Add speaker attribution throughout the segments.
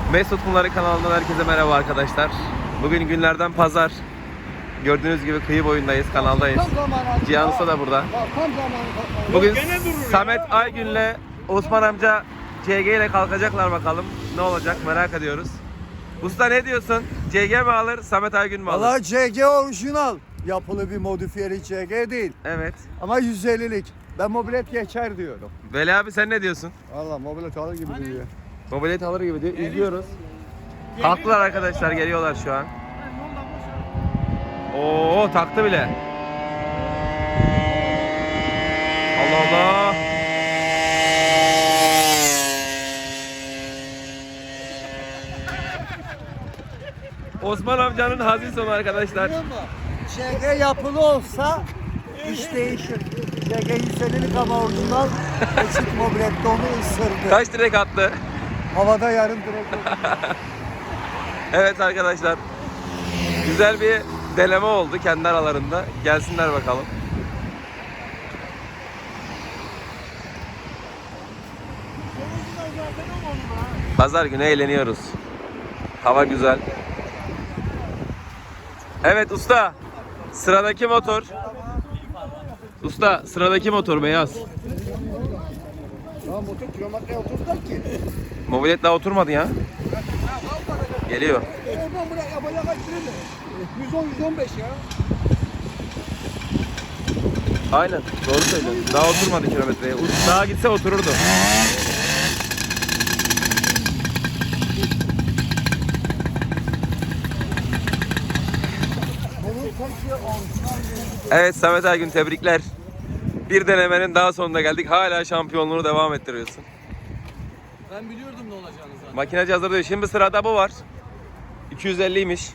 Speaker 1: Mesut Bunları kanalından herkese merhaba arkadaşlar. Bugün günlerden pazar. Gördüğünüz gibi kıyı boyundayız, kanaldayız. Cihan Usta da burada. Bugün Samet Aygün'le Osman amca CG ile kalkacaklar, bakalım ne olacak merak ediyoruz. Usta ne diyorsun? CG mi alır, Samet Aygün mü alır?
Speaker 2: Valla CG orijinal. Yapılı bir modifiyeli CG değil.
Speaker 1: Evet.
Speaker 2: Ama 150'lik. Ben mobilet geçer diyorum.
Speaker 1: Veli abi sen ne diyorsun?
Speaker 2: Valla mobilet alır gibi duruyor.
Speaker 1: Mobilet alır gibi diyor. İzliyoruz. Kalktılar arkadaşlar, geliyorlar şu an. Oo, taktı bile. Allah Allah. Osman amcanın hazin sonu arkadaşlar.
Speaker 2: CG yapılı olsa iş değişir. CG 150'lik ama orijinal. Eski mobilette onu ısırdı.
Speaker 1: Kaç direk attı?
Speaker 2: Havada yarım direkt oldu.
Speaker 1: Evet arkadaşlar. Güzel bir deneme oldu kendi aralarında. Gelsinler bakalım. Pazar günü eğleniyoruz. Hava güzel. Evet usta. Sıradaki motor. Usta sıradaki motor beyaz.
Speaker 2: Ya motor kilometreye oturdular ki.
Speaker 1: Mobilet daha oturmadı ya. Geliyor.
Speaker 2: Ben buraya yapacak kaç lira? 110-115 ya.
Speaker 1: Aynen doğru söylüyorsun. Daha oturmadı kilometreye. Daha gitse otururdu. Evet Samet Aygün, tebrikler. Bir denemenin daha sonuna geldik. Hala şampiyonluğunu devam ettiriyorsun.
Speaker 3: Ben biliyordum ne olacağını zaten.
Speaker 1: Makinacı hazır diyor. Şimdi sırada bu var. 250'ymiş.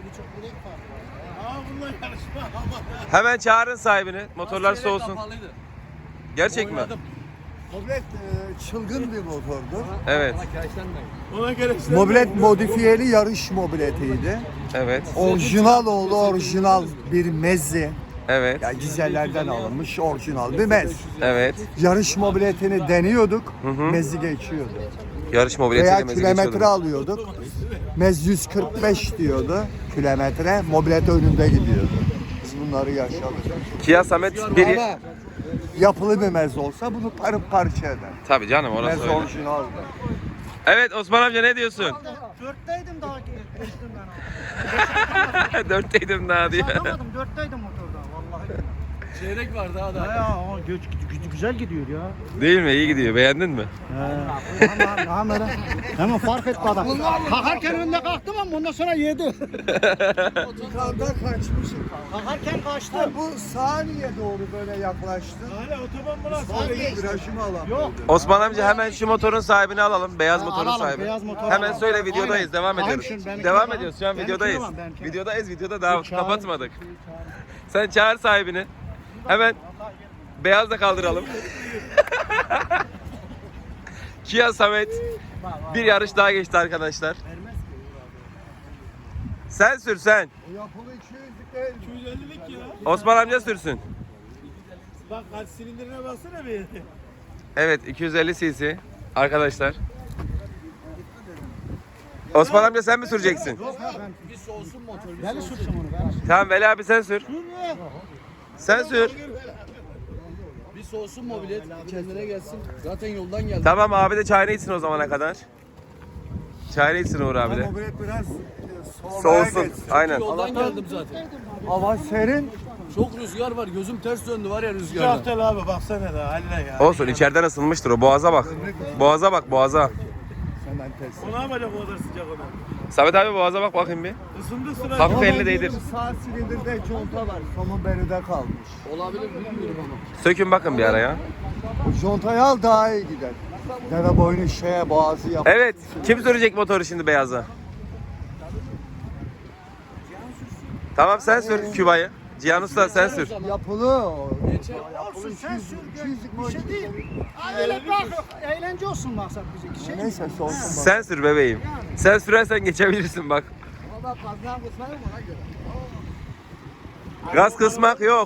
Speaker 1: Hemen çağırın sahibini. Motorlar
Speaker 3: Çeyrek
Speaker 1: soğusun.
Speaker 3: kapalıydı.
Speaker 1: Gerçek mi?
Speaker 3: Oynadım.
Speaker 2: Mobilet çılgın bir motordu.
Speaker 1: Evet.
Speaker 3: Ona kireçlenmeyin.
Speaker 2: Mobilet modifiyeli yarış mobiletiydi.
Speaker 1: Evet.
Speaker 2: Orijinal oğlu orijinal bir mezzi.
Speaker 1: Evet.
Speaker 2: Yani dizellerden alınmış orijinal bir mez.
Speaker 1: Evet.
Speaker 2: Yarış mobiletini deniyorduk,
Speaker 1: hı.
Speaker 2: mezi geçiyordu.
Speaker 1: Yarış mobiletiyle
Speaker 2: Veya
Speaker 1: mezi
Speaker 2: kilometre
Speaker 1: geçiyordum.
Speaker 2: alıyorduk. Mez 145 diyordu kilometre, mobilet önünde gidiyordu. Biz bunları yaşadık.
Speaker 1: Kia Samet bir...
Speaker 2: Ama yapılı bir mez olsa bunu parça eder.
Speaker 1: Tabii canım, orası
Speaker 2: Mez
Speaker 1: öyle.
Speaker 2: orijinaldı.
Speaker 1: Evet Osman amca ne diyorsun?
Speaker 4: Dörtteydim daha geçtim ben abi.
Speaker 1: Dörtteydim daha diyor.
Speaker 4: Anlamadım, dörtteydim motorda vallahi.
Speaker 3: Çeyrek var daha da.
Speaker 4: Ya ama güzel gidiyor ya.
Speaker 1: Değil mi? İyi gidiyor. Beğendin mi?
Speaker 4: Hemen fark etti adam. Kalkarken önüne kalktım ama ondan sonra yedi.
Speaker 2: Yukarıda kaçmışım.
Speaker 4: Kalkarken kaçtım.
Speaker 2: Bu saniye doğru böyle yaklaştı.
Speaker 4: Hala otoban burası.
Speaker 2: Virajımı alamıyorum.
Speaker 4: Yok.
Speaker 1: Osman amca hemen şu motorun sahibini alalım. Beyaz motorun
Speaker 4: alalım,
Speaker 1: sahibi.
Speaker 4: beyaz motor
Speaker 1: Hemen
Speaker 4: alalım.
Speaker 1: söyle, videodayız.
Speaker 4: Aynen.
Speaker 1: Devam
Speaker 4: Aynen,
Speaker 1: ediyoruz.
Speaker 4: şimdi benimkini
Speaker 1: Devam
Speaker 4: alalım.
Speaker 1: ediyoruz. Şu an
Speaker 4: Benimkini
Speaker 1: videodayız.
Speaker 4: alalım, benimkini.
Speaker 1: Videodayız. Videoda daha
Speaker 4: Çağır.
Speaker 1: kapatmadık. Sen çağır sahibini. Hemen beyaz da kaldıralım. Kia Samet bir yarış daha geçti arkadaşlar. Sen sür sen.
Speaker 2: Yapılı 200'lük değil.
Speaker 3: 250'lik ya.
Speaker 1: Osman amca sürsün.
Speaker 3: Bak kaç silindirine baksana bir.
Speaker 1: Evet 250 cc arkadaşlar. Osman amca sen mi süreceksin?
Speaker 3: Bir soğusun motor.
Speaker 4: Ben de sürsem onu ben.
Speaker 1: Tamam Veli abi sen sür. Sen sür.
Speaker 3: Bir soğusun mobilet. Kendine gelsin. Zaten yoldan geldi.
Speaker 1: Tamam abi de çayını içsin o zamana kadar. Çayını içsin Uğur abi de.
Speaker 2: Mobilet biraz
Speaker 1: Soğusun.
Speaker 2: geçsin.
Speaker 1: Aynen.
Speaker 3: Yoldan geldim zaten.
Speaker 2: Hava serin.
Speaker 3: Çok rüzgar var. Gözüm ters döndü var ya rüzgarda.
Speaker 5: Güzel abi baksana da haline ya.
Speaker 1: Olsun, içeriden ısınmıştır o. Boğaza bak. Boğaza bak, boğaza.
Speaker 2: Senden ters.
Speaker 5: O ne yapacak o kadar sıcak ona?
Speaker 1: Samet abi boğaza bak bakayım bir.
Speaker 5: Isındı sıra.
Speaker 1: Hafif elini değdir.
Speaker 2: Sağ silindirde conta var. Somun beride kalmış.
Speaker 3: Olabilir bilmiyorum ama.
Speaker 1: Sökün bakın bir ara ya.
Speaker 2: Bu contayı al daha iyi gider. Deve boynu şeye boğazı yap.
Speaker 1: Evet. Kim sürecek motoru şimdi beyaza? Tamam sen sür Küba'yı. Cihan Usta sen sür.
Speaker 2: Yapılı o.
Speaker 3: Geçer.
Speaker 4: Olsun sen sür.
Speaker 2: 200'lük
Speaker 4: Bir şey değil. Öyle bırak. Eğlence olsun maksat bizdeki şey.
Speaker 2: Neyse soğusun bak.
Speaker 1: Sen sür bebeğim. Sen sürersen geçebilirsin bak. Gaz kısmak yok.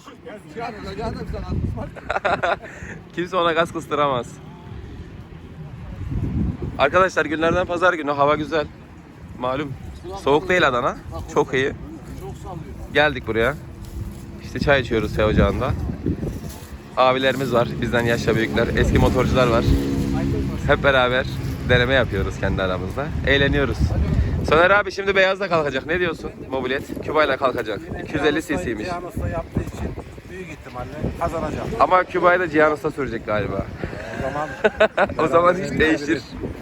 Speaker 1: Kimse ona gaz kıstıramaz. Arkadaşlar günlerden pazar günü, hava güzel. Malum soğuk değil Adana. Çok iyi. Geldik buraya. İşte çay içiyoruz Sev Ocağı'nda. Abilerimiz var, bizden yaşça büyükler, eski motorcular var. Hep beraber deneme yapıyoruz kendi aramızda. Eğleniyoruz. Soner abi şimdi beyazla kalkacak. Ne diyorsun? Mobilet Küba'yla kalkacak. 250 cc'ymiş.
Speaker 5: Cihan Usta yaptığı için büyük ihtimalle kazanacak.
Speaker 1: Ama Küba'yı da Cihan Usta sürecek galiba.
Speaker 5: O zaman
Speaker 1: O zaman iş değişir.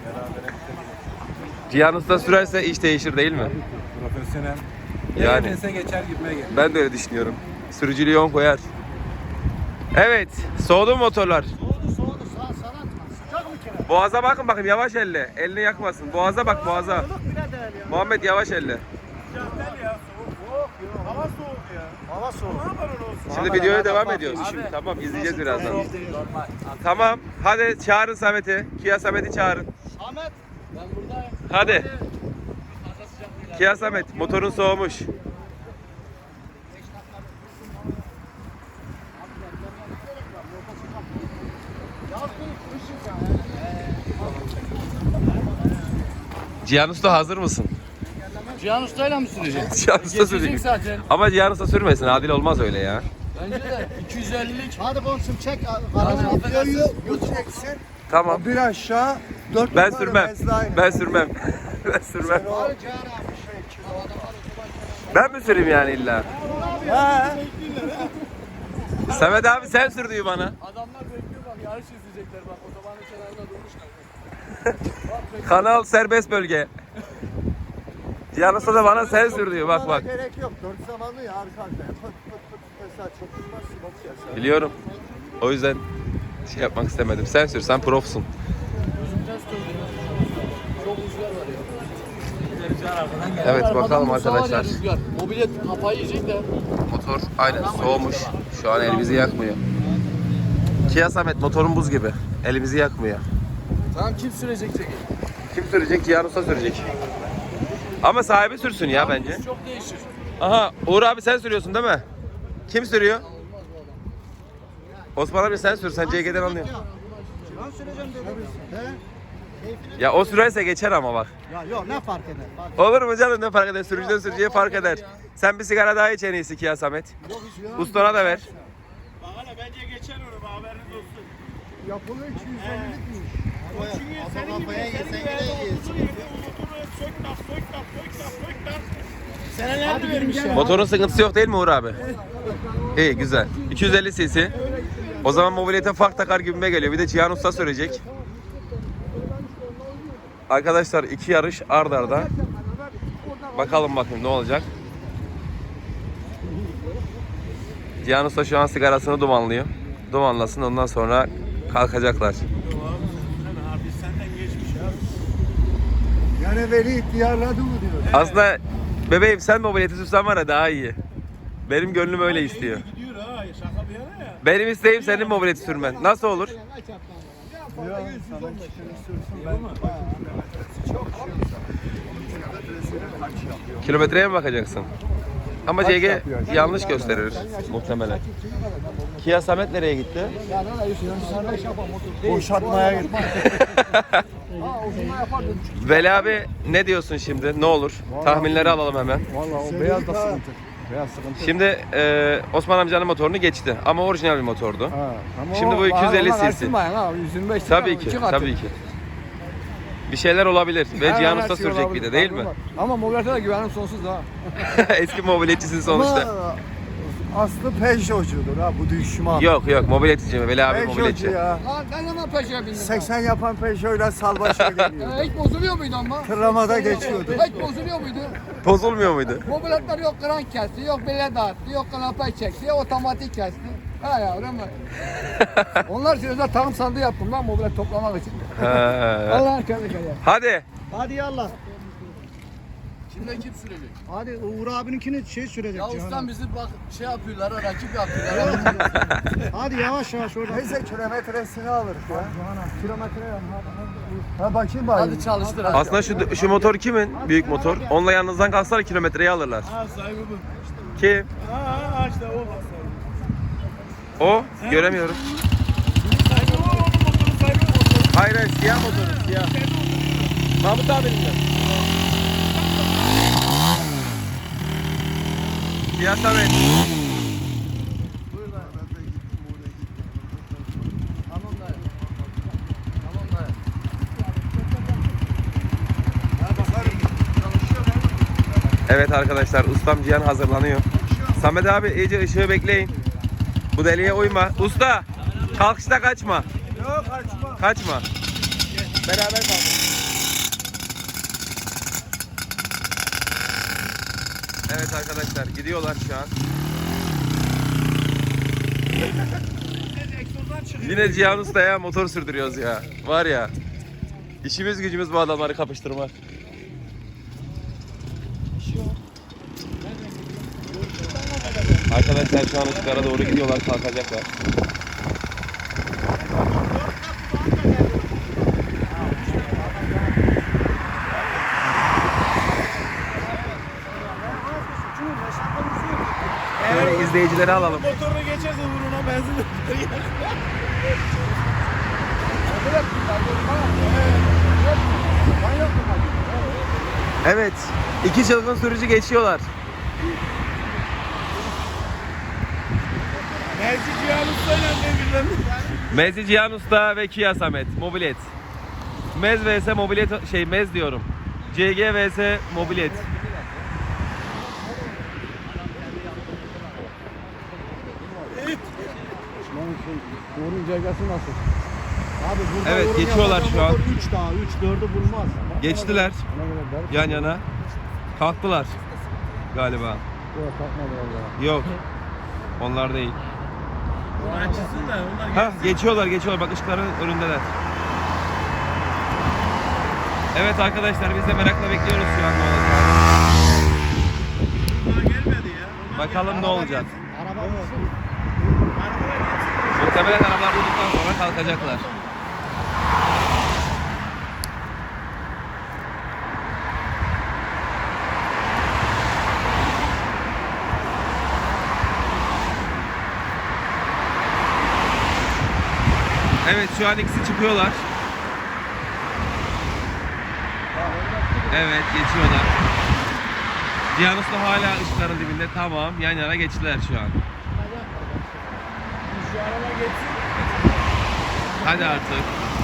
Speaker 1: Cihan Usta sürerse iş değişir değil mi?
Speaker 5: profesyonel.
Speaker 1: Yani.
Speaker 5: Neyse geçer gibime geliyor.
Speaker 1: Ben de öyle düşünüyorum. Sürücülüğü 10 koyar. Evet. Soğudu mu motorlar?
Speaker 4: Soğudu sana atma. Sıcak mı kere?
Speaker 1: Boğaza bakın bakayım, yavaş elle. Elini yakmasın. Boğaza bak, boğaza.
Speaker 4: Ilık bile değil ya.
Speaker 1: Muhammed yavaş elle.
Speaker 5: Ya soğuk ya. Hava soğuk ya.
Speaker 4: Hava soğuk.
Speaker 5: Ne yapalım olsun?
Speaker 1: Şimdi videoya devam ediyoruz. Tamam, izleyeceğiz birazdan. Tamam. Hadi çağırın Samet'i. Kia Samet'i çağırın.
Speaker 4: Ahmet.
Speaker 3: Ben buradayım.
Speaker 1: Hadi. Kia Samet, motorun soğumuş. Cihan Usta hazır mısın?
Speaker 3: Cihan Usta'yla mı süreceksin?
Speaker 1: Cihan Usta sürecek.
Speaker 3: Geçecek zaten.
Speaker 1: Ama Cihan Usta sürmesin. Adil olmaz öyle ya.
Speaker 3: Bence de 250'lik.
Speaker 4: Hadi komşum çek.
Speaker 2: Videoyu bu çeksin.
Speaker 1: Tamam.
Speaker 2: Bir aşağı 4
Speaker 1: Ben sürmem. Ben sürmem. Ben sürmem. Ben mi süreyim yani illa? Samet abi sen sür diyor bana.
Speaker 3: Adamlar bekliyor bak yarış izleyecekler bak otobanın kenarında durmuşlar.
Speaker 1: Kanal serbest bölge. Cihan Usta da bana sen sür diyor. Bak bak.
Speaker 2: Gerek yok. 4 zamanlı ya arka arkaya. Pıt pıt pıt. Mesela çok tutmaz. Bak ya.
Speaker 1: Biliyorum. O yüzden şey yapmak istemedim. Sen sür, sen profsun.
Speaker 3: Çok rüzgar var ya.
Speaker 1: Evet
Speaker 3: Arkadan
Speaker 1: bakalım
Speaker 3: vursa var ya
Speaker 1: arkadaşlar.
Speaker 3: rüzgar. Mobilet kafayı yiyecek de.
Speaker 1: Motor aynen soğumuş. Şu an elimizi yakmıyor. Kia Samet motorun buz gibi. Elimizi yakmıyor.
Speaker 3: Tamam kim sürecek çekin?
Speaker 1: Kim sürecek? Cihan Usta sürecek. Ama sahibi sürsün ya bence.
Speaker 3: Çok değişir.
Speaker 1: Aha Uğur abi sen sürüyorsun değil mi? Kim sürüyor? Osman abi sen sür. Sen CG'den anlıyorsun.
Speaker 4: Ben süreceğim dedim. He?
Speaker 1: Ya o sürerse geçer ama bak.
Speaker 4: Ya yok ne fark eder?
Speaker 1: Olur mu canım, ne fark eder? Sürücüden sürücüye fark eder. Sen bir sigara daha iç en iyisi Kia Samet. Ustana da ver.
Speaker 5: Bak hele bence geçer onu. Haberiniz olsun.
Speaker 2: Yapılı 250'likmiş.
Speaker 5: Çünkü senin gibi uzun yerde motoru sök tak. Senelerdir vermiş ya.
Speaker 1: Motorun sıkıntısı yok değil mi Uğur abi? İyi güzel. 250 cc. O zaman mobilete fark takar gibime geliyor. Bir de Cihan Usta sürecek. Arkadaşlar 2 yarış ard arda. Bakalım bakayım ne olacak. Cihan Usta şu an sigarasını dumanlıyor. Dumanlasın, ondan sonra kalkacaklar.
Speaker 5: Abi senden geçmiş ya.
Speaker 2: Yani veli ihtiyarladı mı diyor.
Speaker 1: Aslında bebeğim sen mobileti sürsen var ya daha iyi. Benim gönlüm öyle istiyor.
Speaker 5: Gidiyor ha. Şaka bir yana ya.
Speaker 1: Benim isteğim senin mobileti sürmen. Nasıl olur?
Speaker 2: Ya sana çıkını sürsün ben.
Speaker 1: Kilometreye mi bakacaksın? Ama CG yanlış gösterir muhtemelen. Kia Samet nereye gitti?
Speaker 2: Boşaltmaya gitti.
Speaker 1: Veli abi ne diyorsun şimdi? Ne olur? Tahminleri alalım hemen.
Speaker 2: Valla o beyaz da sıkıntı. Beyaz sıkıntı.
Speaker 1: Şimdi Osman amcanın motorunu geçti ama orijinal bir motordu. Şimdi bu 250 cc.
Speaker 2: 125
Speaker 1: Tabii ki, tabii ki. Bir şeyler olabilir ve Cihan Usta sürecek bir de değil mi?
Speaker 2: Ama mobilete de güvenim sonsuz ha.
Speaker 1: Eski mobiletçisin sonuçta.
Speaker 2: Ama aslı Peugeot'cudur ha bu düşman.
Speaker 1: Yok yok mobiletçi Veli abi
Speaker 2: Peugeot'cu
Speaker 1: mobiletçi.
Speaker 2: ya.
Speaker 3: Lan ben hemen peşine bindim.
Speaker 2: 80 yapan Peugeot'la salbaşa geliyor.
Speaker 3: Hiç bozuluyor muydu ama?
Speaker 2: Tırlamada geçiyordu.
Speaker 3: Hiç bozuluyor muydu?
Speaker 1: Bozulmuyor muydu?
Speaker 3: Mobiletler yok krank kesti, yok bile dağıttı, yok kanapayı çekti, otomatik kesti. Ha yavrum. Onlar için özel takım sandığı yaptım lan mobilet toplamak için.
Speaker 1: Ha.
Speaker 3: Allah'ın kendi kaya.
Speaker 1: Hadi.
Speaker 4: Hadi yallah.
Speaker 3: Şimdi kim sürecek?
Speaker 4: Hadi Uğur abininkini şey sürecek.
Speaker 3: Ya
Speaker 4: Cihan
Speaker 3: ustam
Speaker 4: abi.
Speaker 3: bizi bak şey yapıyorlar, rakip yapıyorlar.
Speaker 4: Hadi yavaş yavaş oradan.
Speaker 2: Neyse kilometresini alır ya. Kilometre ha bakayım bari.
Speaker 3: Hadi çalıştır hadi.
Speaker 1: Aslında şu motor kimin? Büyük motor. Onunla yanınızdan kalksalar kilometreyi alırlar.
Speaker 5: Ha sahibi bu.
Speaker 1: Kim?
Speaker 5: Ha işte o bak sahibi.
Speaker 1: O? Göremiyorum.
Speaker 5: Sahibi o, onun motoru sahibi o.
Speaker 1: Hayır hayır siyah motoru siyah. Mahmut abinin mi? Cihan Samet.
Speaker 3: Tamam dayı. Tamam dayı.
Speaker 1: Evet arkadaşlar, ustam Cihan hazırlanıyor. Samet abi iyice ışığı bekleyin. Bu deliğe uyma. Usta, kalkışta kaçma.
Speaker 2: Yok kaçma.
Speaker 1: Kaçma. Beraber kalkın. Evet arkadaşlar, gidiyorlar şu an. Yine Cihan Usta'ya motor sürdürüyoruz ya. Var ya. İşimiz gücümüz bu adamları kapıştırmak. Arkadaşlar şu an ışıklara doğru gidiyorlar, kalkacaklar. Şöyle izleyicileri alalım.
Speaker 5: Motorunu geçerse vuruna benzin.
Speaker 1: Evet, iki çılgın sürücü geçiyorlar.
Speaker 5: Mersi Cihan Usta'yla birbirlerini.
Speaker 1: Mezci Cihan Usta ve Kia Samet, Mobilet. Mez vs Mobilet, Mez diyorum. CG vs Mobilet.
Speaker 3: Uğur'un cegası nasıl?
Speaker 2: Abi burada
Speaker 1: Evet,
Speaker 2: yorum
Speaker 1: geçiyorlar
Speaker 2: yapan
Speaker 1: şu an.
Speaker 2: motor 3 daha 3-4'ü bulmaz.
Speaker 1: Geçtiler yan yana. Kalktılar galiba.
Speaker 3: Yok kalkmadı valla.
Speaker 1: Yok. Onlar değil.
Speaker 5: Onu açsın da onlar
Speaker 1: Ha, geçiyorlar. Bak ışıkların önündeler. Evet arkadaşlar, biz de merakla bekliyoruz şu an ne olacak.
Speaker 5: Onlar gelmedi ya. Onlar
Speaker 1: Bakalım ne olacak.
Speaker 2: Araba mı?
Speaker 1: Muhtemelen arabalar durduktan sonra kalkacaklar. Evet, şu an ikisi çıkıyorlar. Evet, geçiyorlar. Cihan Usta hala ışıkların dibinde. Tamam, yan yana geçtiler şu an.
Speaker 5: şu araba geçsin.
Speaker 1: Hadi artık.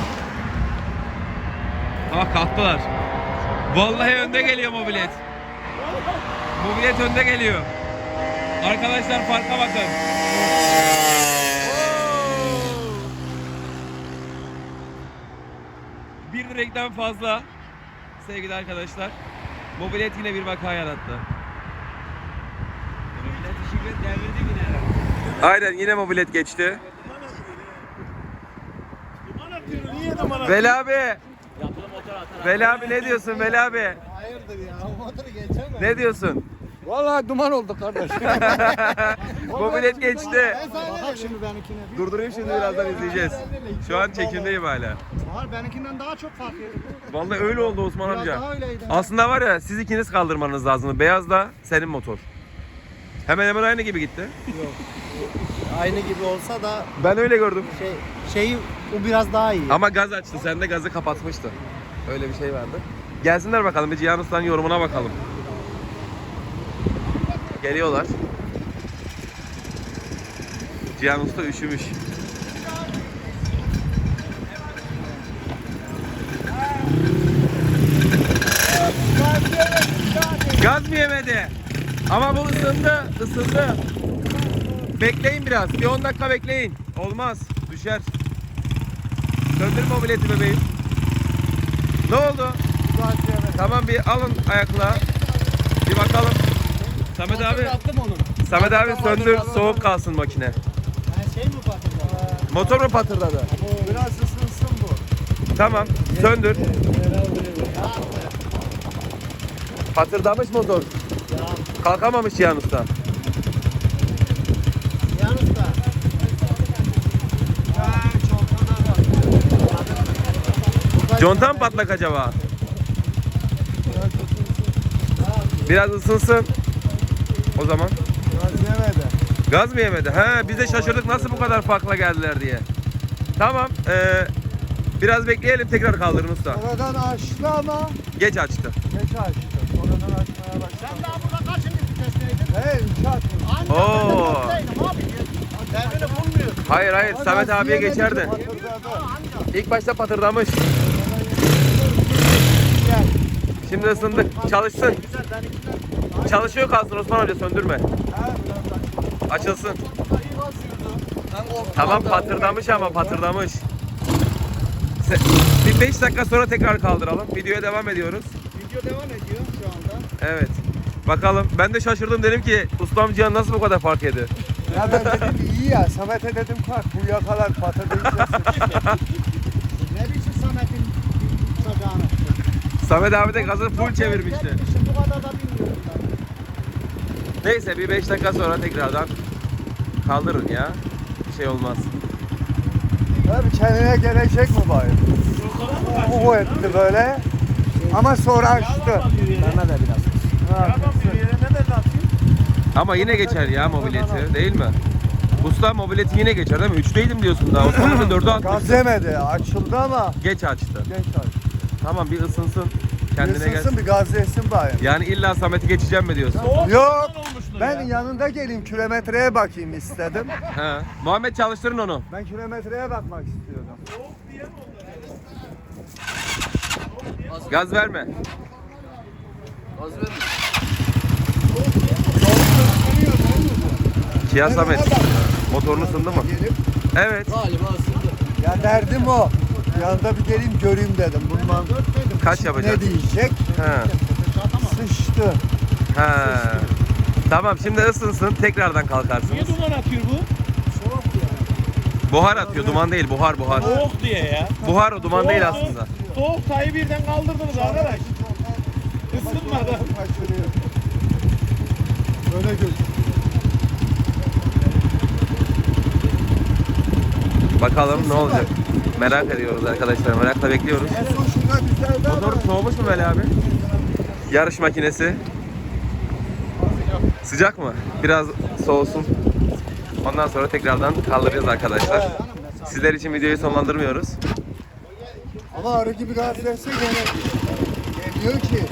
Speaker 1: Ah, kalktılar. Vallahi önde geliyor Mobilet. Mobilet önde geliyor. Arkadaşlar farka bakın. Bir direkten fazla sevgili arkadaşlar. Mobilet yine bir vaka yarattı. Aynen, yine Mobilet geçti.
Speaker 5: Duman atıyor. Niye duman atıyor?
Speaker 1: Veli abi. Veli abi ne diyorsun Veli abi?
Speaker 2: Hayırdır ya? Motoru geçemez.
Speaker 1: Ne diyorsun?
Speaker 3: Vallahi duman oldu kardeş.
Speaker 1: Mobilet geçti.
Speaker 2: Bak şimdi benimkine.
Speaker 1: Durdurayım şimdi, birazdan izleyeceğiz. Şu an çekimdeyim hala.
Speaker 2: Bahar benimkinden daha çok fark ediyor.
Speaker 1: Vallahi öyle oldu Osman
Speaker 2: Biraz
Speaker 1: amca.
Speaker 2: daha öyleydi.
Speaker 1: Aslında var ya, siz ikiniz kaldırmanız lazım. Beyaz da senin motor. Hemen hemen aynı gibi gitti.
Speaker 2: Aynı gibi olsa da
Speaker 1: Ben öyle gördüm.
Speaker 2: şeyi o biraz daha iyi.
Speaker 1: Ama gaz açtı, sen de gazı kapatmıştı. Öyle bir şey vardı. Gelsinler bakalım, bir Cihan Usta'nın yorumuna bakalım. Geliyorlar. Cihan Usta üşümüş. Gaz mı yemedi? Ama bu ısındı. Bekleyin biraz, bir 10 dakika bekleyin. Olmaz, düşer. Söndür mobileti bebeğim. Ne oldu? Tamam, bir alın ayakla. Bir bakalım. Samet abi. Samet abi söndür, soğuk kalsın makine.
Speaker 2: Şey mi patladı?
Speaker 1: Motor mu patırdadı?
Speaker 2: Biraz ısınsın bu.
Speaker 1: Tamam, söndür. Patırdamış motor. Kalkamamış Cihan Usta.
Speaker 2: Yalnız da.
Speaker 1: Conta mı patlak acaba? Biraz ısınsın. O zaman.
Speaker 2: Biraz yemedi.
Speaker 1: Gaz mı yemedi? He, biz de şaşırdık nasıl bu kadar farkla geldiler diye. Tamam. Biraz bekleyelim, tekrar kaldırın usta.
Speaker 2: Sonradan açtı ama
Speaker 1: Geç açtı.
Speaker 2: geç açtı. Sonradan açmaya başladı.
Speaker 5: Sen daha burada kaçıncı vitesteydin?
Speaker 2: He 3 açtı.
Speaker 1: Oo.
Speaker 5: Abi. Devrini bulmuyor.
Speaker 1: Hayır hayır, Samet abiye geçerdi.
Speaker 2: Patırdadı.
Speaker 1: İlk başta patırdamış. Şimdi ısındık. Çalışsın. Çalışıyor kalsın Osman Hoca, söndürme. Açılsın. Tamam, patırdamış ama patırdamış. Bir 5 dakika sonra tekrar kaldıralım. Videoya devam ediyoruz.
Speaker 5: Video devam ediyor şu anda.
Speaker 1: Evet. Bakalım. Ben de şaşırdım, dedim ki ustam Cihan nasıl bu kadar fark yedi?
Speaker 2: Ya ben dedim iyi ya. Samet'e dedim kalk bu yakalar patırdayacak.
Speaker 5: Ne biçim Samet'in çocuğunu?
Speaker 1: Samet abi de gazı full çevirmişti.
Speaker 5: Şimdi bu kadar da bilmiyorum ben.
Speaker 1: Neyse, bir 5 dakika sonra tekrardan kaldırın ya. Bir şey olmaz.
Speaker 2: Abi kendine gelecek mi bari? O etti böyle. Ama sonra açtı.
Speaker 3: Bana da biraz.
Speaker 2: Ha,
Speaker 1: Ama yine geçer ya mobileti, değil mi? Usta mobileti yine geçer değil mi? 3'teydim diyorsun daha. Osman Hoca 4'e
Speaker 2: gaz
Speaker 1: atmış.
Speaker 2: yemedi. Açıldı ama
Speaker 1: Geç açtı.
Speaker 2: geç açtı.
Speaker 1: Tamam, bir ısınsın. Kendine
Speaker 2: Isınsın
Speaker 1: gelsin.
Speaker 2: bir gaz yesin bari.
Speaker 1: Yani illa Samet'i geçeceğim mi diyorsun?
Speaker 2: Yok. Ben yanında geleyim kilometreye bakayım istedim.
Speaker 1: He. Muhammed, çalıştırın onu.
Speaker 2: Ben kilometreye bakmak istiyordum.
Speaker 1: Gaz verme. Kia Samet. Motorunu ısındı mı?
Speaker 2: Gelip
Speaker 1: Evet.
Speaker 2: ya derdim o. Yanında bir geleyim göreyim dedim. Bundan
Speaker 1: Kaç yapacak?
Speaker 2: ne diyecek?
Speaker 1: He.
Speaker 2: Sıçtı.
Speaker 1: He. Tamam, şimdi ısınsın, tekrardan kalkarsınız.
Speaker 5: Niye duman atıyor bu?
Speaker 1: Buhar atıyor, duman değil, buhar.
Speaker 5: Soğuk diye ya.
Speaker 1: Buhar, o duman değil aslında.
Speaker 5: Soğuk sayı birden kaldırdınız arkadaş. Isınmadı.
Speaker 2: Kaçırıyor. Böyle gözüküyor.
Speaker 1: Bakalım ne olacak. Merak ediyoruz arkadaşlar, merakla bekliyoruz.
Speaker 2: En son şuna güzeldi ama.
Speaker 1: Motor soğumuş mu Veli abi? Yarış makinesi. Sıcak mı? Biraz soğusun. Ondan sonra tekrardan kaldıracağız arkadaşlar. Sizler için videoyu sonlandırmıyoruz.
Speaker 2: Ama arı gibi gaz verse gene geliyor ki.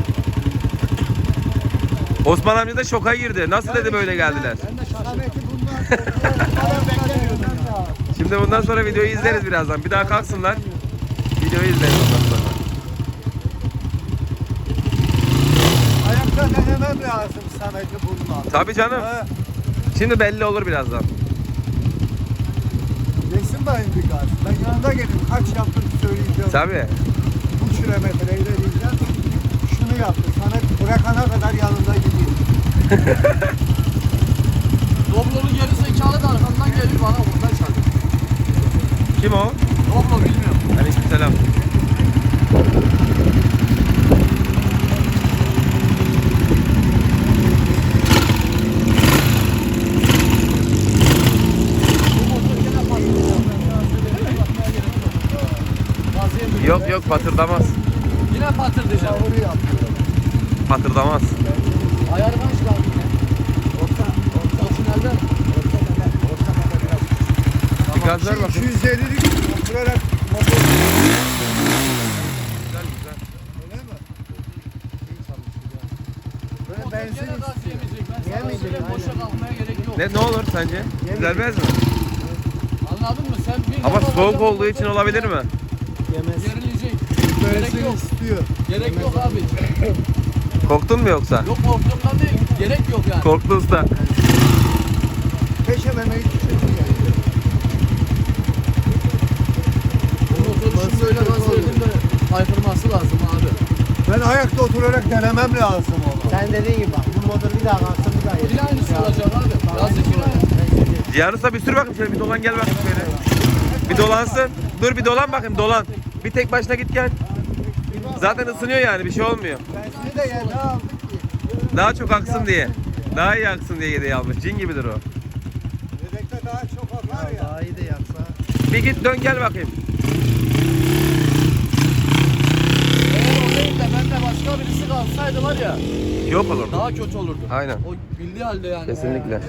Speaker 1: Osman amca da şoka girdi. Nasıl dedi böyle geldiler?
Speaker 2: Ben de Samet'i bundan beklemiyordum ya.
Speaker 1: Şimdi bundan sonra videoyu izleriz birazdan. Bir daha kalksınlar. Videoyu izleriz ondan sonra.
Speaker 2: Ayakta denemem lazım Samet'i bundan.
Speaker 1: Tabii canım.
Speaker 2: He.
Speaker 1: Şimdi belli olur birazdan.
Speaker 2: Yesin bayım bir gaz. Ben yanında gelip kaç yaptım söyleyeceğim.
Speaker 1: Tabii.
Speaker 2: Bu kilometreyi de diyeceğim. Şunu yaptı. Samet bırakana kadar yanında gideyim.
Speaker 3: Doblo'nun geri zekalı da arkamdan geliyor bana buradan çarpıyor.
Speaker 1: Kim o?
Speaker 3: Doblo bilmiyorum.
Speaker 1: Aleykümselam. Yok patırdamaz.
Speaker 3: Yine patır diyeceğim.
Speaker 2: Doğru yapıyor.
Speaker 1: Patırdamaz.
Speaker 3: Ayarı kaç kaldı yine? Orta.
Speaker 1: Bir gaz ver bakayım.
Speaker 2: 250'lik oturarak motor.
Speaker 1: Güzel güzel.
Speaker 2: Öyle mi? İyi çalışıyor. Böyle benzin
Speaker 3: Gene gaz yemeyecek. Ben sana
Speaker 2: Yemeyecek,
Speaker 3: söyleyeyim boşa
Speaker 2: aynen.
Speaker 3: kalkmaya gerek yok.
Speaker 1: Ne olur sence? Düzelmez mi?
Speaker 3: Anladın mı? Sen bir
Speaker 1: Ama
Speaker 3: defa
Speaker 1: soğuk
Speaker 3: hocam
Speaker 1: olduğu için olabilir mi?
Speaker 2: yemez.
Speaker 3: Gerilecek. Gerek
Speaker 2: Benzin
Speaker 3: yok.
Speaker 2: istiyor.
Speaker 3: Gerek yok abi.
Speaker 1: Korktun mu yoksa?
Speaker 3: Yok korktuğumdan değil. Gerek yok yani.
Speaker 1: Korktu usta.
Speaker 2: Peşememeyi düşünüyor.
Speaker 3: Bu motor için böyle gaz verdim de haykırması lazım abi.
Speaker 2: Ben ayakta oturarak denemem lazım onu.
Speaker 4: Sen dediğin gibi bak. Bu motor bir daha kalksın bir daha yesin.
Speaker 3: Yine aynısı olacak abi. Gaz yine aynı.
Speaker 1: Cihan usta bir sür bakayım şöyle, bir dolan gel bakayım şöyle. Bir dolansın. Dur bir dolan bakayım, dolan. Bir tek başına git gel. Zaten ısınıyor yani, bir şey olmuyor.
Speaker 2: Benzini de yeni aldık ki.
Speaker 1: Daha çok aksın diye. Daha iyi aksın diye yedeği almış. Cin gibidir o.
Speaker 2: Yedekte daha çok akar ya.
Speaker 4: Daha iyi de yapsa.
Speaker 1: Bir git dön gel bakayım.
Speaker 3: Eğer o değil de bende başka birisi kalsaydı var ya
Speaker 1: Yok olur.
Speaker 3: daha kötü olurdu.
Speaker 1: Aynen.
Speaker 3: O bildiği halde yani.
Speaker 1: Kesinlikle.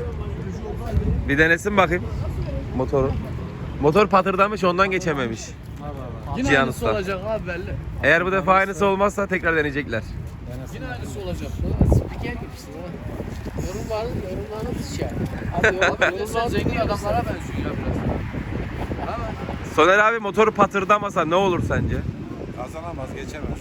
Speaker 1: Bir denesin bakayım motoru. Motor patırdamış, ondan geçememiş.
Speaker 6: Yine
Speaker 1: Cihan
Speaker 6: aynısı
Speaker 1: Usta.
Speaker 6: olacak abi belli.
Speaker 1: Eğer bu defa aynısı olmazsa tekrar deneyecekler.
Speaker 6: Yine aynısı olacak. Spiker gibisin ha. Yorumlarınız şey. Abi yorumlar zengin adamlara benziyor ya biraz.
Speaker 1: Soner abi motoru patırdamasa ne olur sence?
Speaker 7: Kazanamaz, geçemez.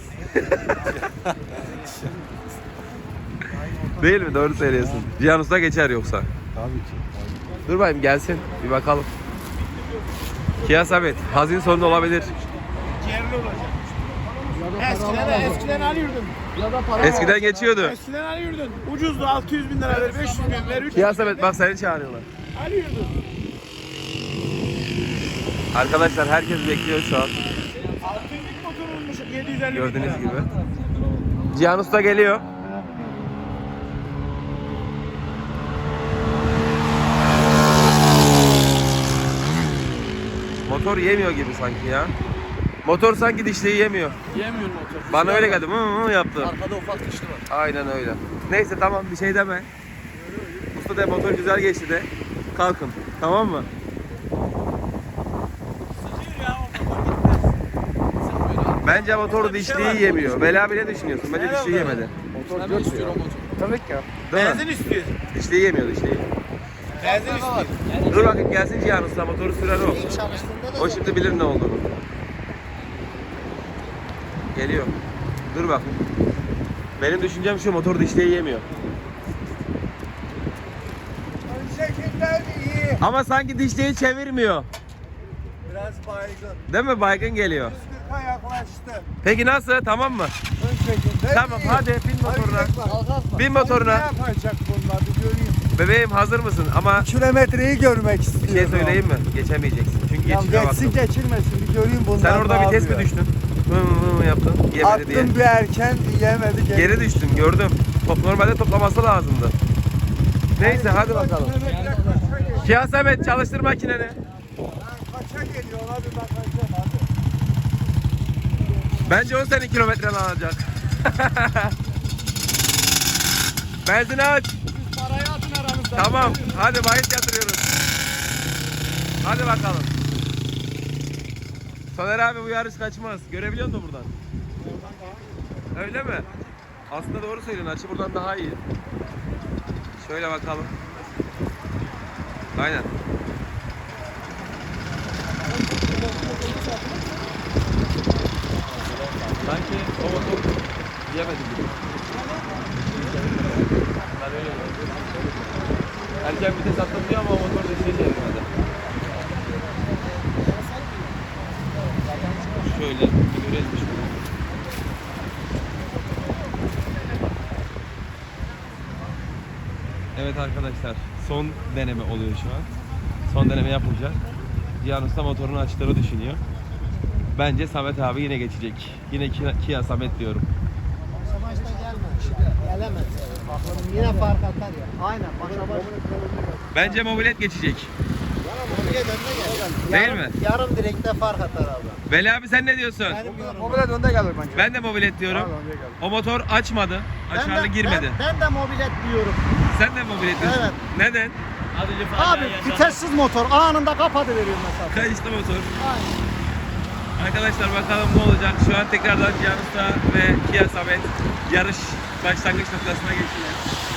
Speaker 1: Değil mi? Doğru söylüyorsun. Cihan Usta geçer yoksa.
Speaker 7: Tabii ki.
Speaker 1: Dur bakayım gelsin. Bir bakalım. Kia Samet. Hazin sonunda olabilir.
Speaker 5: Ciğerli olacak. Eskiden alıyordun.
Speaker 6: Ya da para
Speaker 1: Eskiden geçiyordu.
Speaker 5: Eskiden alıyordun. Ucuzdu 600 bin lira ver, 500 bin ver, 300
Speaker 1: Kia Samet bak seni çağırıyorlar.
Speaker 5: alıyordun.
Speaker 1: Arkadaşlar herkes bekliyor şu an.
Speaker 5: 600'lük motor olmuş 750 bin
Speaker 1: Gördüğünüz
Speaker 5: lira.
Speaker 1: gibi. Cihan Usta geliyor. Motor yemiyor gibi sanki ya. Motor sanki dişliği yemiyor.
Speaker 6: yemiyor motor.
Speaker 1: Bana öyle geldi. Yaptı.
Speaker 6: Arkada ufak dişli var.
Speaker 1: Aynen öyle. Neyse tamam bir şey deme. Usta de motor güzel geçti de. Kalkın. Tamam mı? Bence motor dişliği yemiyor. Bela bile düşünüyorsun. Bence dişliği yemedi.
Speaker 6: Motor ne istiyor o motor?
Speaker 3: Tabii ki.
Speaker 1: Değil mi?
Speaker 5: Benzin istiyor.
Speaker 1: Dişliği yemiyor dişliği.
Speaker 5: Benzin istiyor.
Speaker 1: Dur bakayım gelsin Cihan Usta motoru sürer o. O şimdi bilir ne olduğunu. Geliyor. Dur bak. Benim düşüncem şu motor dişliği yemiyor.
Speaker 2: Öncekinden iyi.
Speaker 1: Ama sanki dişliği çevirmiyor.
Speaker 2: Biraz baygın.
Speaker 1: Değil mi? Baygın geliyor.
Speaker 2: 140'a yaklaştı.
Speaker 1: Peki nasıl? Tamam mı?
Speaker 2: Öncekinden
Speaker 1: Tamam
Speaker 2: iyi.
Speaker 1: hadi bin motoruna. Bin
Speaker 2: Ne
Speaker 1: motoruna.
Speaker 2: yapacak bunlar bir göreyim.
Speaker 1: Bebeğim hazır mısın? Ama
Speaker 2: Kilometreyi görmek
Speaker 1: bir
Speaker 2: istiyorum.
Speaker 1: şey söyleyeyim mi? Geçemeyeceksin. Çünkü
Speaker 2: Ya
Speaker 1: geçişe
Speaker 2: geçsin
Speaker 1: baktım.
Speaker 2: geçirmesin bir göreyim bunlar.
Speaker 1: Sen orada
Speaker 2: ne
Speaker 1: vites mi
Speaker 2: yapıyor.
Speaker 1: düştün? Hı yaptın. Yemedi diye.
Speaker 2: Attım bir erken yemedi.
Speaker 1: Geri düştüm gördüm. Normalde toplaması lazımdı. Neyse hadi bakalım. Kia Samet çalıştır makineni.
Speaker 2: Kaça geliyor ona bir bakacağım hadi.
Speaker 1: Bence o senin kilometren alacak. Benzini aç.
Speaker 5: Parayı atın aranızda.
Speaker 1: Tamam. Hadi bahis yatırıyoruz. Hadi bakalım. Soner abi bu yarış kaçmaz. Görebiliyor musun buradan? Öyle mi? Aslında doğru söylüyorsun. Açı buradan daha iyi. Şöyle bakalım. Aynen. Sanki o motor yemedi gibi. Ben öyle gördüm. Erken vites atlatıyor ama o motor da şey çevirmedi. Şöyle bir görelim şunu. Evet arkadaşlar son deneme oluyor şu an. Son deneme yapılacak. Cihan Usta motorun açıları düşünüyor. Bence Samet abi yine geçecek. Yine Kia Samet diyorum.
Speaker 4: Başa başta gelme. Gelemez. Bakalım yine fark atar ya. Aynen başa baş.
Speaker 1: Bence mobilet geçecek.
Speaker 4: Mobilet önde
Speaker 1: Değil mi?
Speaker 4: Yarım direkte fark atar abi.
Speaker 1: Veli abi sen ne diyorsun?
Speaker 4: Benim yorumum.
Speaker 3: Mobilet önde gelir bence.
Speaker 1: Ben de mobilet diyorum. O motor açmadı. Açarlı girmedi.
Speaker 4: Ben de mobilet diyorum.
Speaker 1: Sen de mobilet diyorsun.
Speaker 4: Evet.
Speaker 1: Neden?
Speaker 4: Abi vitessiz motor anında kapatıveriyor mesela.
Speaker 1: Kayışlı motor. Arkadaşlar bakalım ne olacak. Şu an tekrardan Cihan Usta ve Kia Samet yarış başlangıç noktasına geçtiler.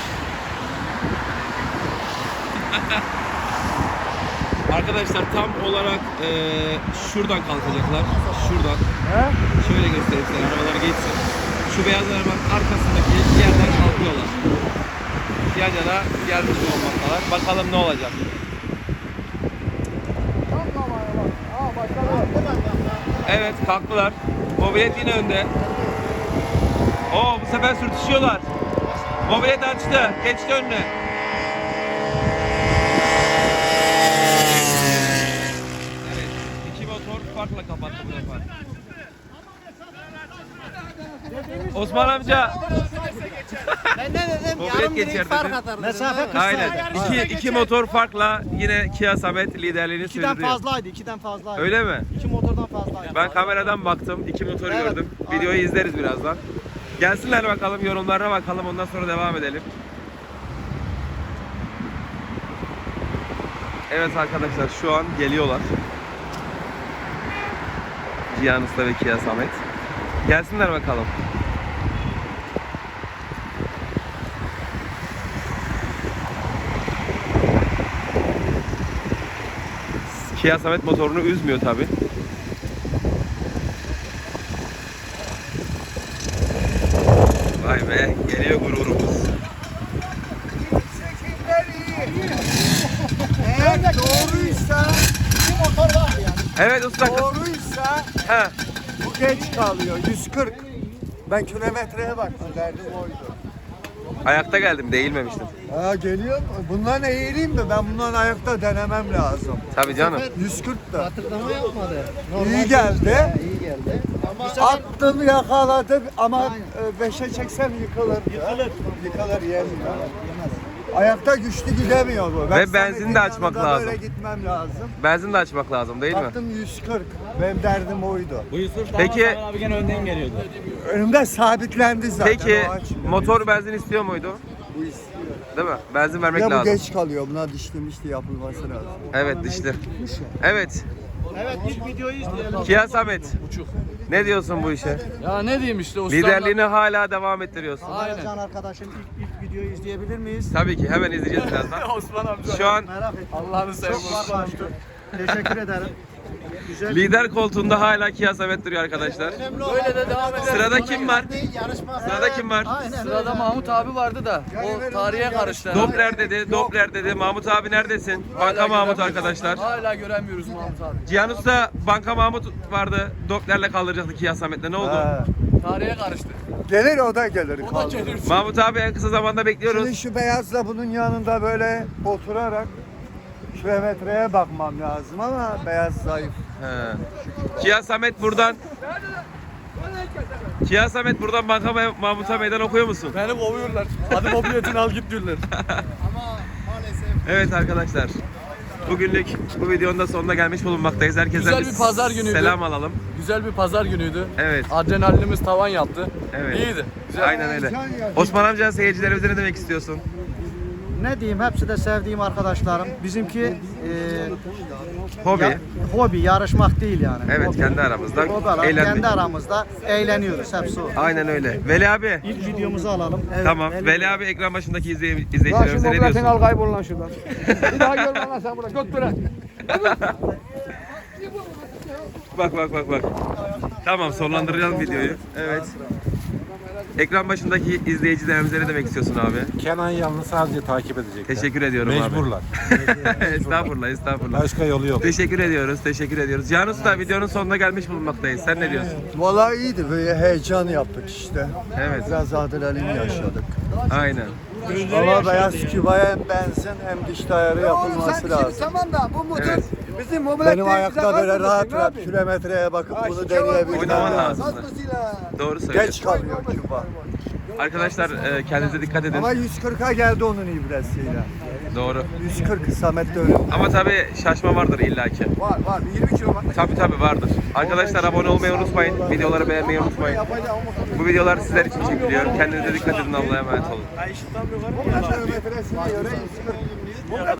Speaker 1: Arkadaşlar tam olarak şuradan kalkacaklar. Şuradan. Şöyle göstereyim size arabalar geçsin. Şu beyaz arabanın arkasındaki yerden kalkıyorlar. Yan yana gelmiş olmaktalar. Bakalım ne olacak. Evet kalktılar. Mobilet yine önde. Oo bu sefer sürtüşüyorlar. Mobilet açtı. Geçti önüne. Evet. İki motor farkla kapattı bu defa. Osman amca.
Speaker 4: Ben ne dedim?
Speaker 1: Mobilet
Speaker 4: Yarım
Speaker 1: geçer
Speaker 4: direkt fark
Speaker 1: dedin.
Speaker 4: atar.
Speaker 2: Mesafe 40
Speaker 1: Aynen. İki motor farkla yine Kia Samet liderliğini
Speaker 4: İkiden
Speaker 1: sürdürüyor.
Speaker 4: fazlaydı. 2'den fazlaydı.
Speaker 1: Öyle mi?
Speaker 4: 2 motordan fazlaydı.
Speaker 1: Ben kameradan baktım. İki motor
Speaker 4: Evet,
Speaker 1: gördüm. Videoyu izleriz birazdan. Gelsinler bakalım, yorumlarına bakalım. Ondan sonra devam edelim. Evet arkadaşlar şu an geliyorlar. Cihan Usta ve Kia Samet. Gelsinler bakalım. Kia Samet motorunu üzmüyor tabi. Vay be, geliyor gururumuz.
Speaker 2: Eğer doğruysa,
Speaker 1: Evet usta.
Speaker 2: doğruysa
Speaker 1: He.
Speaker 2: bu geç kalıyor. 140. Ben kilometreye baktım, derdim oydu.
Speaker 1: Ayakta geldim, değilmemiştim.
Speaker 2: Ha geliyor mu? Bundan eğileyim mi? Ben bundan ayakta denemem lazım.
Speaker 1: Tabii canım.
Speaker 2: 140 da.
Speaker 4: Hatırlama yapmadı.
Speaker 2: İyi geldi.
Speaker 4: İyi geldi.
Speaker 2: Attım yakaladım ama 5'e çeksem yıkılır. Yıkılır yemiyor. Ayakta güçlü gidemiyor bu.
Speaker 1: Ve
Speaker 2: Samet'in
Speaker 1: benzin de açmak
Speaker 2: yanında
Speaker 1: lazım.
Speaker 2: Böyle gitmem lazım.
Speaker 1: Benzin de açmak lazım değil mi?
Speaker 2: Baktım 140. Benim derdim oydu.
Speaker 1: Peki,
Speaker 2: Önümde sabitlendi zaten.
Speaker 1: peki
Speaker 2: o açmıyor.
Speaker 1: motor benzin istiyor muydu?
Speaker 2: Bu istiyor.
Speaker 1: Değil mi? Benzin vermek
Speaker 2: Ya bu
Speaker 1: lazım.
Speaker 2: geç kalıyor. Buna dişli yapılması lazım.
Speaker 1: Evet dişli. Evet.
Speaker 5: Evet ilk videoyu izleyelim.
Speaker 1: Kia Samet. Ne diyorsun bu işe?
Speaker 6: Ya ne diyeyim işte ustamla.
Speaker 1: Liderliğini hala devam ettiriyorsun.
Speaker 6: Aynen.
Speaker 4: Can arkadaşım ilk videoyu izleyebilir miyiz?
Speaker 1: Tabii ki hemen izleyeceğiz birazdan.
Speaker 6: Osman amca.
Speaker 1: Şu an
Speaker 4: Merak ettim.
Speaker 6: Allah'ını seversen.
Speaker 4: Çok var. Teşekkür ederim. Güzel.
Speaker 1: lider koltuğunda hala Kia Samet duruyor arkadaşlar.
Speaker 6: Böyle de devam edelim.
Speaker 1: Sırada kim var?
Speaker 5: Yarışma.
Speaker 1: Sırada kim var?
Speaker 6: Sırada Mahmut abi vardı da o tarihe karıştı.
Speaker 1: Doppler dedi, Doppler dedi. Mahmut abi neredesin? Banka Mahmut arkadaşlar.
Speaker 6: Hala göremiyoruz Mahmut abi.
Speaker 1: Cihan Usta Banka Mahmut vardı. Doppler'le kaldıracaktı Kia Samet'le. Ne oldu?
Speaker 2: Ha.
Speaker 6: Tarihe karıştı.
Speaker 2: Gelir o da gelir.
Speaker 6: O da
Speaker 2: kaldır.
Speaker 6: gelir.
Speaker 1: Mahmut abi en kısa zamanda bekliyoruz.
Speaker 2: Şimdi şu beyazla bunun yanında böyle oturarak kilometreye bakmam lazım ama beyaz zayıf.
Speaker 1: He. Kia Samet buradan Kia Samet buradan Banka Mahmut'a meydan okuyor musun?
Speaker 6: Beni kovuyorlar. Hadi mobiletini al git diyorlar.
Speaker 1: Evet arkadaşlar. Bugünlük bu videonun da sonuna gelmiş bulunmaktayız. Herkese
Speaker 6: Güzel bir pazar günüydü.
Speaker 1: selam alalım.
Speaker 6: Güzel bir pazar günüydü.
Speaker 1: Evet.
Speaker 6: Adrenalinimiz tavan yaptı.
Speaker 1: Evet.
Speaker 6: İyiydi. Güzel.
Speaker 1: Aynen öyle. Osman amca seyircilerimize ne demek istiyorsun?
Speaker 4: Ne diyeyim? Hepsi de sevdiğim arkadaşlarım. Bizimki
Speaker 1: Hobi.
Speaker 4: hobi, yarışmak değil yani.
Speaker 1: Evet,
Speaker 4: Hobi.
Speaker 1: kendi aramızda
Speaker 4: Hobi olarak
Speaker 1: eğlenmek.
Speaker 4: kendi aramızda eğleniyoruz hepsi o.
Speaker 1: Aynen öyle. Veli abi.
Speaker 4: İlk videomuzu alalım. Evet,
Speaker 1: Tamam.
Speaker 4: Veli-
Speaker 1: Veli abi ekran başındaki
Speaker 3: Lan şu
Speaker 1: izleyicilerimize ne
Speaker 3: mobiletini al
Speaker 1: diyorsun?
Speaker 3: kaybol lan şuradan. Bir daha görme lan sen burada. Göt bırak.
Speaker 1: Bak. Tamam sonlandıracağız videoyu. Evet. Ekran başındaki izleyicilerimize ne demek istiyorsun abi?
Speaker 7: Kenan Yalnız sadece takip edecekler.
Speaker 1: Teşekkür ediyorum
Speaker 7: Mecburlar.
Speaker 1: abi. Estağfurullah.
Speaker 7: Başka yolu yok.
Speaker 1: Teşekkür ediyoruz. Cihan Usta videonun sonuna gelmiş bulunmaktayız. Sen ne diyorsun?
Speaker 2: Vallahi iyiydi. Böyle heyecan yaptık işte.
Speaker 1: Evet.
Speaker 2: Biraz adrenalin yaşadık.
Speaker 1: Aynen.
Speaker 2: Ama beyaz kübaya hem benzin hem diş ayarı
Speaker 3: Oğlum sen
Speaker 2: yapılması
Speaker 3: şimdi
Speaker 2: lazım.
Speaker 3: tamam da bu motor
Speaker 1: Evet.
Speaker 3: bizim mobilet
Speaker 2: Benim
Speaker 3: değil, bize
Speaker 2: ayakta böyle
Speaker 3: kalmadı
Speaker 2: rahat
Speaker 3: ki, ne
Speaker 2: rahat
Speaker 3: yapayım?
Speaker 2: kilometreye bakıp
Speaker 3: Ha,
Speaker 2: bunu
Speaker 3: şike var,
Speaker 2: deneyebilmem
Speaker 1: Oynaman
Speaker 2: lazım.
Speaker 1: lazım.
Speaker 3: Hastasıyla.
Speaker 1: Doğru söylüyorsun.
Speaker 2: Geç kalıyor küba.
Speaker 1: Arkadaşlar kendinize dikkat edin.
Speaker 2: Ama 140'a geldi onun ibresiyle.
Speaker 1: Doğru.
Speaker 2: 140 Samet de öyle.
Speaker 1: Ama tabii şaşma vardır illaki.
Speaker 3: Var 20 kilometre.
Speaker 1: Tabii vardır. Arkadaşlar abone olmayı unutmayın. Videoları beğenmeyi unutmayın. Bu videolar sizler için çekiliyor. Kendinize dikkat edin. Allah'a emanet olun.
Speaker 2: Kilometresine göre 140.